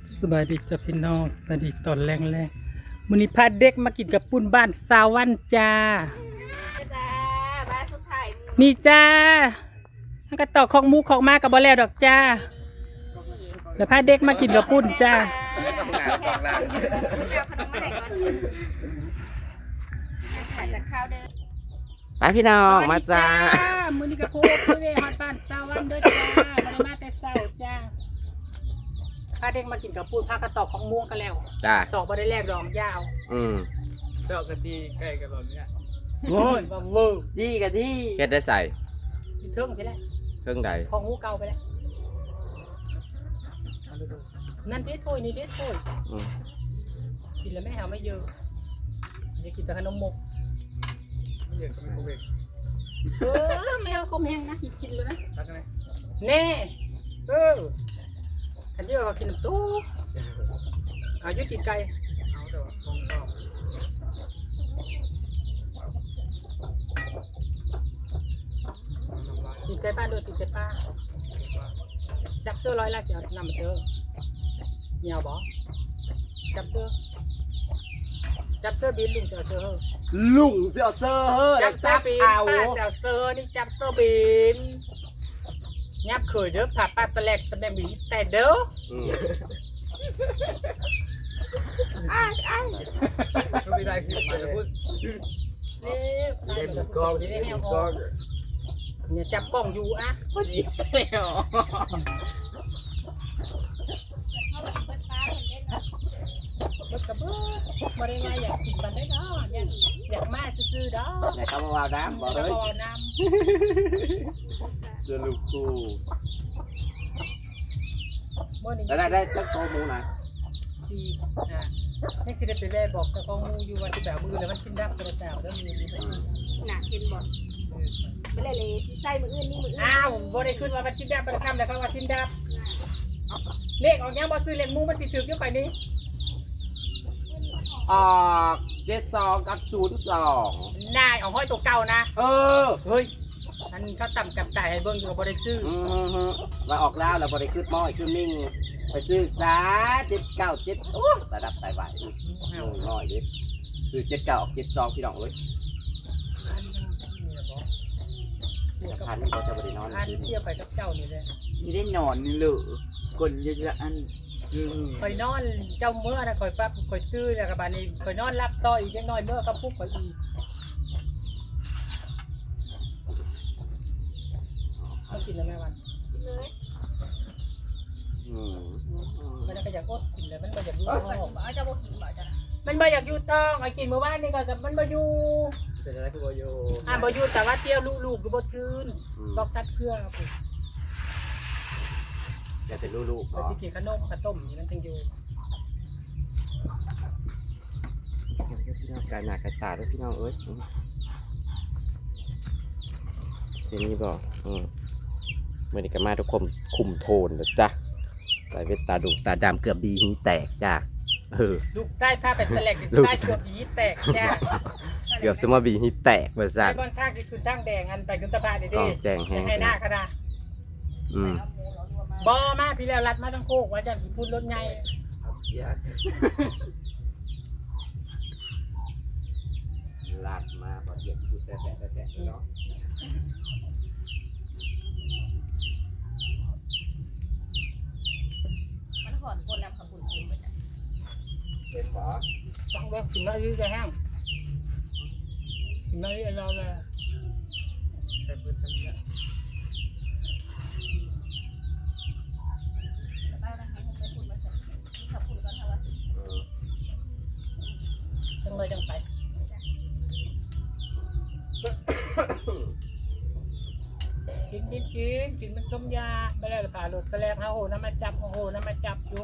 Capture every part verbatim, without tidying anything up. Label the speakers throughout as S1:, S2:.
S1: สบายดีจ้ะพี่น้องสบายดีตอนแรงแรงมื้อนี้พาเด็กมากินกับปุ้นบ้านสาวันจ้า
S2: จ้าบ้านสุดท้าย
S1: นี่จ้าถ้าก็ตอกของหมูของมากับบ่แล้วดอกจ้าแล้วพาเด็กมากินกับปุ้นจ้า
S3: ไปพี่น้องมาจ้า
S1: มื้อนี้ก็โพดเด้ฮอดบ้านสาวันเด้อจ้าบ่ได้มาแต่เช้าจ้าพาเด็กมากินกับปุ้นพากระตอกของม่วงกันแล้ว
S3: จ้า
S1: ตอกบ่ได้แลกดอกยาว
S3: อืม
S4: ดอกกะทิใกล้กันหมดเนี่ย
S1: โอ้ยบ่เวอร์ดีกะที่
S3: เฮ็ดได้ใส่
S1: เทิงไปแล้ว
S3: เครื่องใด
S1: ของหมูเก่าไปแล้วนั่นเด็ดถ้วยนี่เด็ดถ้วย
S3: อืม
S1: กินแล้วไม่หาไม่เยอะจะกินแต่ขนมมก
S4: ไม่อยากกินโควิด
S1: เออไม่เอาคมแห้งนะกินกินเลยนะ
S4: รักกันไหม
S1: แน่เออขันเยอะก็กินน้ำตู้อายุกินไก่
S4: เอาแต่ว่าของชอบน้ำลาย
S1: กินไก่ป้าด้วยกินไก่ป้าจับเสื้อร้อยละเดี๋ยวนำมาเจอเหนียวบ่จับเสื้อจับเสื้อบินลุงเจอเสื้อ
S3: ลุงเสือเซอร์เฮ้ย
S1: จับเสื้อ
S3: จับ
S1: บิน
S3: เอา
S1: ป้าเสื้อเสื้อนี่จับเสื้อบินงับเขยเด้อผ่าป้าตะแลกตะแลกมีแต่เด้อ
S3: อืม
S1: อ้ายอ้าย
S4: ไม่มีอะไรคือมาจะพูด
S1: เล่นกล้องเล่นกล้องเนี่ยจับกล้องอยู่อ่ะพอดีแล้วบึกกระเบื้อมาได้ไงอยากกินบันได้เนาะอยากอยากมาซื้อๆเนาะ
S3: ไหนเขามาวาวน้ำบอก
S1: แล้
S3: เล
S1: วย ก็น้
S3: เจอลูกคู่
S1: ำเมื่อนี้
S3: แล้วได้ได้เจ้าโตหมูนะ
S1: สี่อ่ะนี่สิได้ไปแม่บอกกับกองมูอยู่วันที่แบบมือแล้วมันชิ้นดับกระเจ้าแล้วมีมี
S2: หนักกินบ่ไม่ได้เลยใส่มืออื่นนี่มืออื่น
S1: อ้าวบ่ได้ขึ้นว่ามันชิ้นดับมันคำแล้วเขาว่าชิ้นดับเลขออกยังบ่ซื้อเลขมูมันสิถือเยอะไปนี่
S3: ออกเจ็ดสองกับศูนย์สอง
S1: นายเอาห้อยตัวเก่านะ
S3: เออ
S1: เฮ้ยอันเขาต่ำกับจ่ายให้เบิ้งอยู่บ่ได้ซื้อ
S3: อืมฮึมาออกแล้วเราบริขึ้นม้อยขึ้นนิ่งไปซื้อสาเจ็ดเก้าเจ็ดโอ้ระดับไตไหวน้อยน้อยดิซื้อเจ็ดเก้าออกเจ็ดสองพี่น้องเลยจะพันนี่ก็จะบริโนอน
S1: อันเที่ยวไปกับเจ้านี่เลย
S5: ไม่ได้นอนนี่เหรอกดเยอะๆอันอืม
S1: คอยนอนเจ้าเมื่อนะคอยปั๊บคอยซื้อแล้วกับบานนี้คอยนอนรับต่ออีกจังน้อยเมื่อก็พุกคอยอีกเขากินแล้วแม่วัน
S2: เลย
S3: อืม
S1: มันก็อยากอดกินเลยมันบ่อยากอยู่
S2: บ่
S1: ท้อง
S2: เอาจะบ่กินบ่จ้ะ
S1: มันบ่อยากอยู่ท้องไอ้กินเมื่อวานนี่ก็กับมันบ่อยู่
S4: เป็นอะไรคือโบโย
S1: อ่าบ่อยู่แต่ว่าเที่ยวลูกๆก็บ่คืนบอกซัดเครื่องครับผม
S3: จะเป็นลูกๆ
S1: ไป
S3: ก็
S1: ที่กินขนมข้าวต้มนี่มันจึงอยู่
S3: พี่น้องกายหนากายตาด้วยพี่น้องเอ้ยเดี๋ยวนี้บอกอืมเมื่อนี้ก็มาทุกคนคุมโทนแล้วจ้ะใส่เวทตาดุตาดำเกือบดีหีแตกจ้ะเออ
S1: ลูกใต้ผ้าเป็นแสลก
S3: ลูก
S1: ใต้ตัวผีแตกจ้า
S3: เกือบสมบีหีแตกเบอร์ซัน
S1: ไอ้บอนข้างที่คุณตั้งแดงอันไปคุณตะพาดิ
S3: ต้
S1: ดิ
S3: องแจงแห้ง
S1: ให้หน้าขนาด
S3: อืม
S1: บอมาพี่แล้วรัดมาทั้งโคกว่าจะพูดรถไง
S3: ลาดมาพอเทียบพูดแต่แต่แต่แต่เนาะ
S2: มันหอนคนนำขบุญกินไปจ้ะ
S3: เป็นหมอ
S1: ต้องเลิกกินน้อยยืดจะแห้งกินน้อยยืดเราเลย
S4: แต่เพื่อนฉันเนี่ย
S2: บ้านนะให้ไปพูดมาสั่งมีขบุญก่อนค่ะว่า
S3: เออ
S1: จังเลยจังไปกินกินกินกินมันต้มยาไปแล้วผ่าหลุดไปแล้วโอ้โหน้ำมาจับโอ้โหน้ำมาจับอยู่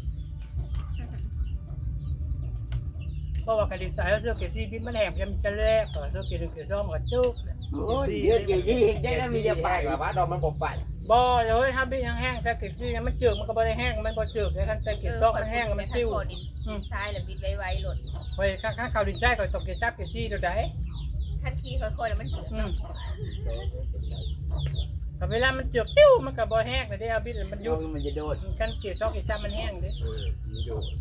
S1: เพราะว่ากระดิ่งสายเสื้อเกซี่บินมันแหมจะจะแลกต่อเสื้อเกลิ่นเกซ่อมกับจุก
S5: โอ้ยเยอะๆยี่ได้แล้วมีจะไป
S3: แบบว่าดอกมันบกไป
S1: บ่เลยถ้าบินแห้งๆเสื้อเกซี่มันจืดมันก็บ่ได้แห้งมันบ่จืดเลยคันเสื้อเกซ่อมมันแห้งมันติ้ว
S2: ดินทรายแล้วบิดไวๆหล่น
S1: ไปข้างๆเขาดินใจเขาตกเกจับเกซี่ตัวใด
S2: ทันทีค่อยๆแล้วมันเดือด
S1: อืมแต่เวลามันเจือกติ้วมันก็บ่แห้งเลยเด้เอาบิดมัน
S5: โย
S1: ยุบ
S5: งมันจะโดด
S1: กันเกี่ยวซอกเกี่ยวจ้ามันแห้งเด้
S3: เออมีโดด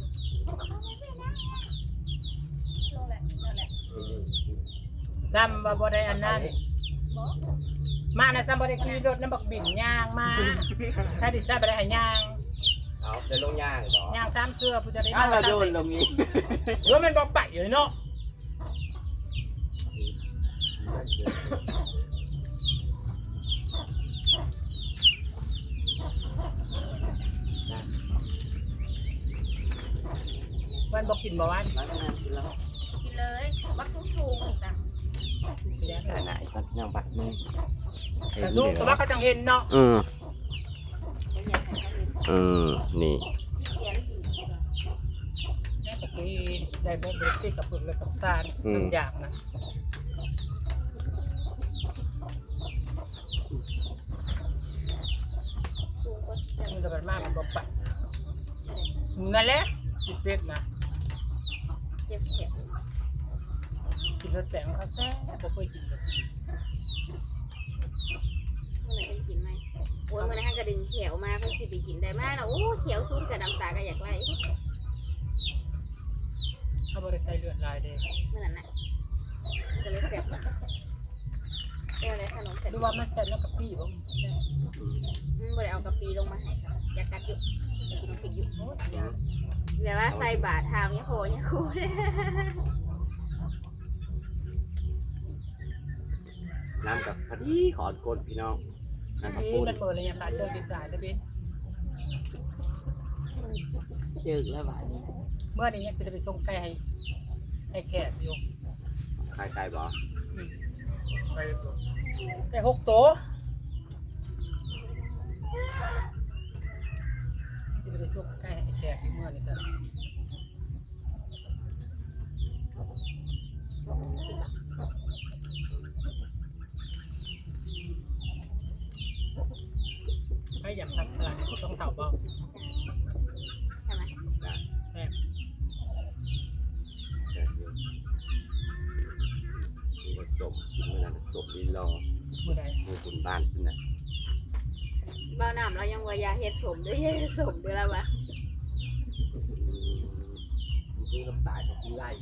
S2: ลงแหละนั่นแหละ
S1: ซ้ำว่าบ่ได้อันนั้น
S2: บ่
S1: มานะซ้ำบ่ได้ขี่รถน้ำบักบิ่นย่างมาถ้าดิฉันบ่ได้ให้ย่าง
S3: เอาจะลงย่างบ่
S1: ย่างซ้ำเสื้อผู้จะได้
S5: ถ้าเราโดนลงนี้
S1: เออมันบ่ไปอยู่เนาะวันบ่กินบ่วัน
S5: แล้วก็นั่นแล้ว
S2: กินเลยบักสูงๆจ้ะ
S5: แต่ไหนก็ยังบัดนี้
S1: แต่ลูกแต่ว่าเขาจังเห็นเนาะ
S3: อืม
S2: เดี๋ยวอยากให้เขาเห็น
S3: อืมนี่
S2: เขียนกิน
S1: แม่ตะกี้ได้แม่เบรกที่กับปึกเลยกับซานทุกอย่างนะ
S2: สูงกว่าแต่
S1: มันจะเป็นมากมันบ่ไปนั่นแหละสิเป็ดนะ
S2: เจ็บแขน
S1: กินรสแป้งเขาแซ่บบ่เคยกินแบบนี้
S2: เมื่อไหร่จะกินไหมโอ้ยเมื่อไหร่ให้กระดึงเขียวมาเพื่อสิไปกินได้มากนะโอ้เขียวซุ่มกับน้ำตาก็อยากไล่
S1: เขาบ่ได้ใส่เลือดลายเด้
S2: เมื่อนั้นน่ะก็เลยแสบเอวเลยขนมเสร็จ
S1: ดูว่ามันแซ่บแล้วกับพี่บ่แซ่บ
S2: อืมบ่ได้เอากะปิลงมาให้ค่ะอยากกัดอยู่อยากกินน้ำพริกอยู่
S1: โอ้ยยา
S2: แบบว่าใส่บาททางเนี่ยโหเนี่ยคูเลย
S3: น้ำกับพอดีขอดกลพี่น้องน้ำกับ
S1: พี่
S3: ปูน
S1: มันเปิดเลยยังตาเจอกินสายแล้วพี่
S5: เจอแล้วบัดนี้
S1: เมื่อนี้ยังจะไปส่งไก่ให้ให้แขกอยู่
S3: ใครไกลบ่
S4: ไปตัว
S1: ไก่หกตัวจะไปส่งไก่ให้แขกเมื่อนี้จ้ะไม่อยากทำสลัดต้องเผาเบา
S2: ใช่ไหม
S1: แม่
S3: มีผสมกินเมื่อนั้นผสมลีรอ
S1: เมื่อใด
S3: มือคุณบ้านสินะ
S2: บ้าน้ำเรายังว่ายาเฮ็ดสมด้วยเฮ็ดสมด้วยแล้ววะ
S3: คือน้ำตาจะกินไล่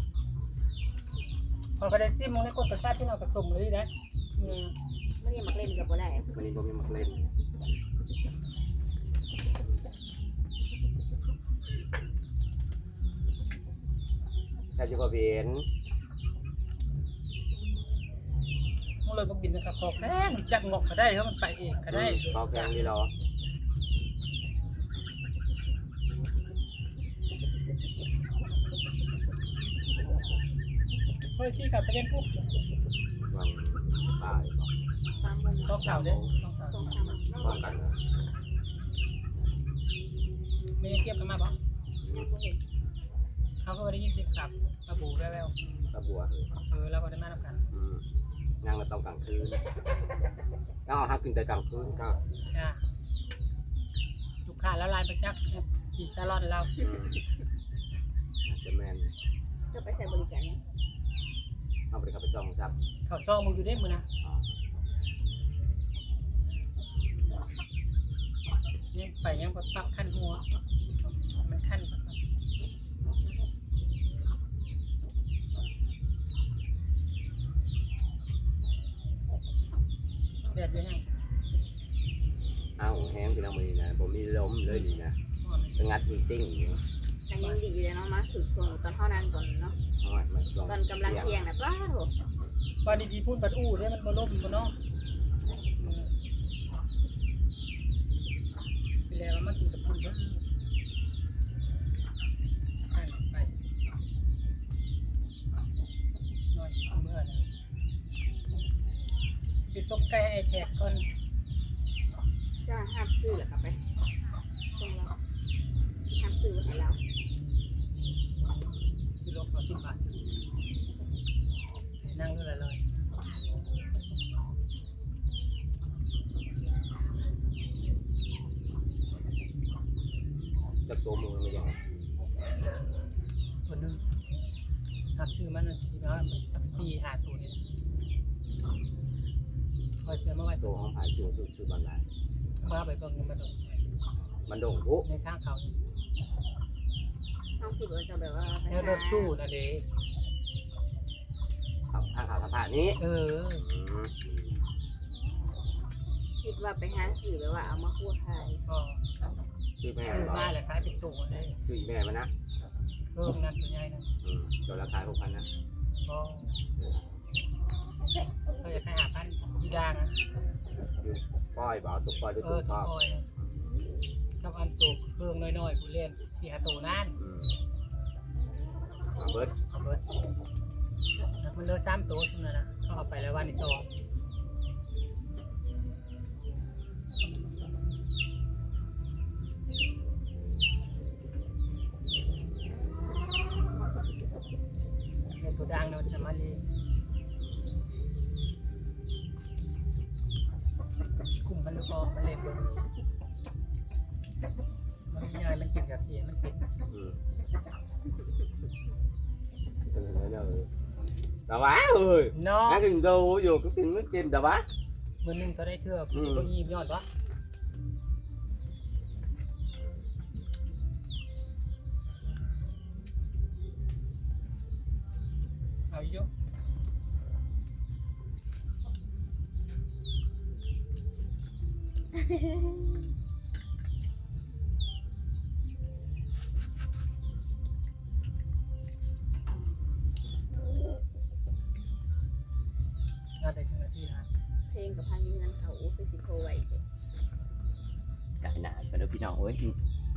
S1: พอเขาได้ซิมมึงได้กดกระซ่าที่เรากระสมเลยนะอืม
S2: ไม่ได้มาเล่นกับบ่ได้
S3: วันนี้ผมมีมาเล่นถ้าจะพอเวียน
S1: มึงเลยบอกบินนะครับขอแพงจักงอกก็ได้เพราะมันไปเองก็ได้
S3: ก็แพงลีรอ
S1: เฮ้ยชี้กับไปเล่นปุ๊บ
S3: วันตายบอก
S2: สามโมง
S1: ต้องเก่าเด้ต้องเก่า
S2: สองสามโมง
S3: พร้อมกันนะ
S1: ไม่ได้เทียบกันมาบ่
S2: ยังบ่เห็น
S1: เขาก็ได้ยินเสียงสับระบุแว่ว
S3: ตะบัวเลย
S1: ๆเออเราก็ได้มาทำกัน
S3: อืมนั่งมาตอนกลางคืนก็เอาฮักกินแต่กลางคืนก็
S1: จ้าลูกค้าแล้วลายประจักษ์อีซาลอนเรา
S3: อืมอาจจะแมน
S2: ก็ไปใส่บริการเนี่ย
S3: เอาไปขับไปจองครับ
S1: เขาซ่องมึงอยู่ได้มือนะยังไปยังก็ปักขั้นหัวมันขั้นสักหน่อยเด็ดเลยฮะ
S3: เอาแห้งพี่น้องมือนะผมมีล้มเลยนี่นะสงัดจริงๆอยู่
S2: กันยังดีอยู่เลยเนาะมาถึงช่วงตอนเท่านั้นก่อนเนาะ
S3: เอาไว้มาลอง
S2: ตอนกำลังเที่ยงนะป้าโถ
S1: วันดีๆพูดบัดอู้ได้มันบ่ล่มบ่เนาะไปแล้วมากินกับคุณเด้อไปไปนอนเมื่อนะไปซบไก่ไอ้แขกก่อน
S2: จะห้ามซื้อเหรอครับไปตรงเราห้ามซื้อไว้ให้เรา
S1: กิโลละสิบบาทนั่งดูเลยเลย
S3: จับตัวมือไม่ยัง
S1: ตัวนึงทำชื่อมันชีนะจากซีหาตัวนี่คอยเสือมาไว้
S3: ตั
S1: ตัว ว
S3: ของผายชื่อชื่อชื่อบันได
S1: มาไปเบิ่งมันดง
S3: มันโด่งพุ
S1: ในข้างเขา
S2: เอาคิดว่าจะแบบว่าไป
S1: แล้วรถตู้นะเด้
S3: ทางข่าวสภานี้
S1: เออ
S2: คิดว่าไปหาสื่อแบบว่าเอามาคั่วขาย
S1: ก็
S3: ชื่อแม่
S1: คือ
S3: เหรอ
S1: มาแหละขายเป็นตู้ได้
S3: ชื่อแม่มันนะ
S1: เพิ่มนั่นตัวใหญ่นั่น
S3: ตัวราคาหกพันนะ
S1: ก็ก็จะให้หาพันที่ด่างนะ
S3: ปล่อยบ่ตุกปล่อยด้วย
S1: เอ
S3: ตุ
S1: อก
S3: ท
S1: ตัว
S3: อด
S1: คอยกับอันตัวเครื่องน้อยๆกูเล่นสี่ห้าตัวนั่น
S3: มาเบิร์ด
S1: เอาเบิดมันเหลือสามตัวซึ่งนะเขาเอาไปแล้ววันที่สองในตัวด่างเนี่ยมันจะมาเลี้ยงกลุ่มมันหรือเปล่ามันเลี้ยงเบนมันมีอะไรมันกินกับเสียมันกิน
S3: เออเออแต่ว่าเอ้ย
S1: เนาะ
S3: นั่งกินดูอยู่ก็กินไม่กินแต่ว่า
S1: มือหนึงก็ได้เทือกสิบยี่ยอดวะเอาอีกเยอะน่าได้ถึงนาทีนะ
S2: เพลงกับพังเงินเขาไปสิโคไว้
S3: ไก่หนาไปดูพี่น้องเว้ย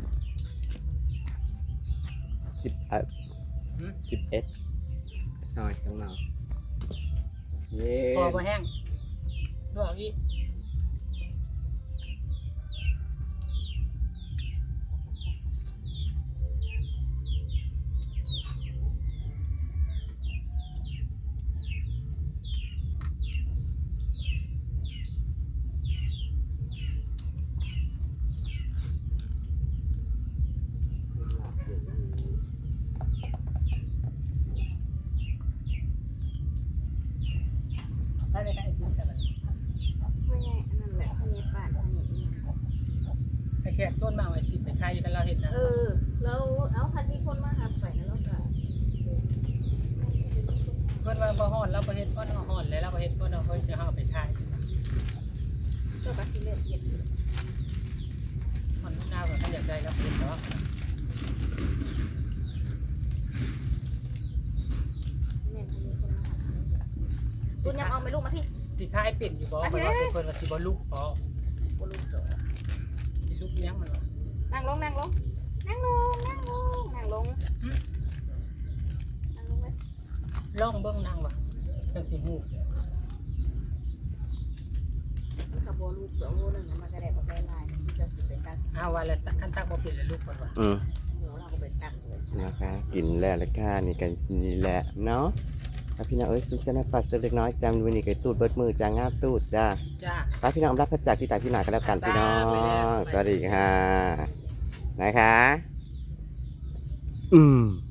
S3: สิบเอ็ดสิบเอ็ดหน่อยต้องนอนเย้
S1: พอมาแห้งด้วยเอาอีกได้เลยได้ไอ้ที่แต่ละ
S2: ไม่ใช่อันนั้นแหละพังเงินป่านพังเงิน
S1: ไอ้แขกส้นมาไอ้ที่ไปใครกันเราเห็นนะ
S2: เออแล้วเอาคันมีคนมาหาไปนะแล้วก็
S1: เพื่อนว่าบ่ฮ้อนเราบ่เฮ็ดบ่เนาะฮ้อนแล้วเราบ่เฮ็ดบ่เนาะเฮ้ยจะเฮาไปขาย
S2: ก็กระสิเล็ดเย็ด
S1: มันน่าว่าเขาอยากได้ครับเฮ็ดเนาะ
S2: แม่พังมีคนมาหาคุณยังเอาไม่ลูกมาพี่
S1: สิขายเป็นอยู่บ่มันว่าเพิ่นว่าสิบ่ลุกบ่
S2: บลูกเด้อ
S1: สิลุกยังมันว่า
S2: นั่งลงนั่งลงนั่งลงนั่งลงนั่งลงนั่งลงเลย
S1: ลองเบิ่งนางว่าจังสิฮู้
S2: ขบวนลูกเสือโม่หนึ่งมันก็ได้ประเภทลายที่จะสิเป็นตัก
S1: อ้าวว่าแล้วคันตักบ่เป็นแล้วลุกเพิ่นว่า
S3: อืม
S2: เดี๋ยวเราก็เป็นตักเลย
S3: นะคะกินแล้วละค่ะนี่กันนี่แหละเนาะแล้วพี่น้องเอ้ยซุปเส้นปัดเล็กน้อยจำวันนี้ไก่ตูดเบิดมือจ้างาบตูดจ้า
S1: จ้า
S3: ไปพี่น้องรับพระจากที่ตายพี่หนากันแล้วกันพี่น้อง สวัสดีค่ะนะคะ อืม